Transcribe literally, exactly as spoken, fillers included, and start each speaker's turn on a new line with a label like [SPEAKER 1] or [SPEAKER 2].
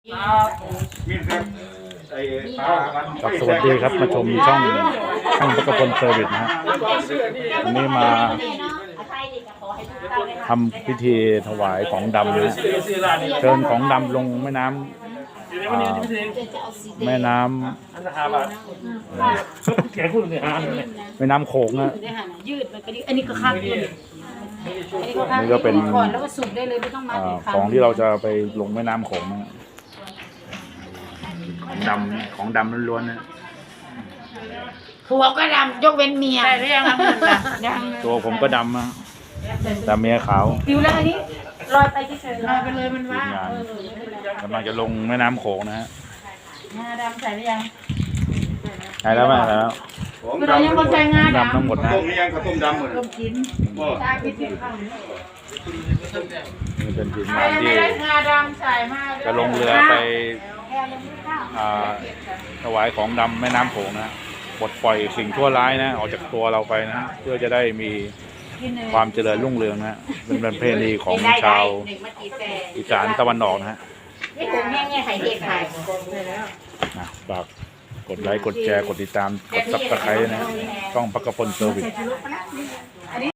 [SPEAKER 1] ครับสวัสดีครับมาชมช่องช่องพระกพลเซอร์วิสนะฮะวันนี้มาทำพิธีถวายของดำนะเชิญของดำลงแม่น้ำแม่น้ำแม่น้ำโขงนะ
[SPEAKER 2] ยืดมันก็อันนี้ก็ข้างยืด
[SPEAKER 1] นี่ก็เป็น
[SPEAKER 2] ก่อนแล้วก็สุกได้เลยไม่ต้องมา
[SPEAKER 1] ของที่เราจะไปลงแม่น้ำโขงนะของดำของดำล้วนๆนะ
[SPEAKER 2] ผัวก็ดำยกเว้นเมียได้ยังยัง
[SPEAKER 1] ตัวผมก็ดำนะแต่เมียขาว
[SPEAKER 2] ดิวแล้วอันนี้ลอยไปเฉยๆลอยไปเลยมันว่าก
[SPEAKER 1] ำลังจะลงแม่น้ำโขงนะฮะ
[SPEAKER 2] งาดำใส่หรือยัง
[SPEAKER 1] ใช่แล้วไหมใช่แล้ว
[SPEAKER 2] คือเรายังไม่ใส่งาดำ
[SPEAKER 1] ดำทั้งหมดนะ
[SPEAKER 3] ต้มยังข้าวต้มดำหมด
[SPEAKER 2] ต้มกินใช่พิธีข้าวนี้
[SPEAKER 1] นี่เป็นทีม
[SPEAKER 2] ใครง
[SPEAKER 1] าน
[SPEAKER 2] ไม่
[SPEAKER 1] ที่
[SPEAKER 2] ได้งาดำใส่มา
[SPEAKER 1] จะลงเรือไปอ่าถวายของดำแม่น้ำโขงนะปลดปล่อยสิ่งชั่วร้ายนะออกจากตัวเราไปนะเพื่อจะได้มีความเจริญรุ่งเรืองนะเป็นประเพณีของชาวอีสานตะวันออกนะฮะ
[SPEAKER 2] นี่ผมแง่ๆไข่เด็กไข่
[SPEAKER 1] นะฝากกดไลค์กดแชร์กดติดตามกดซับสไครต์นะช่องพระกพลเซอร์วิส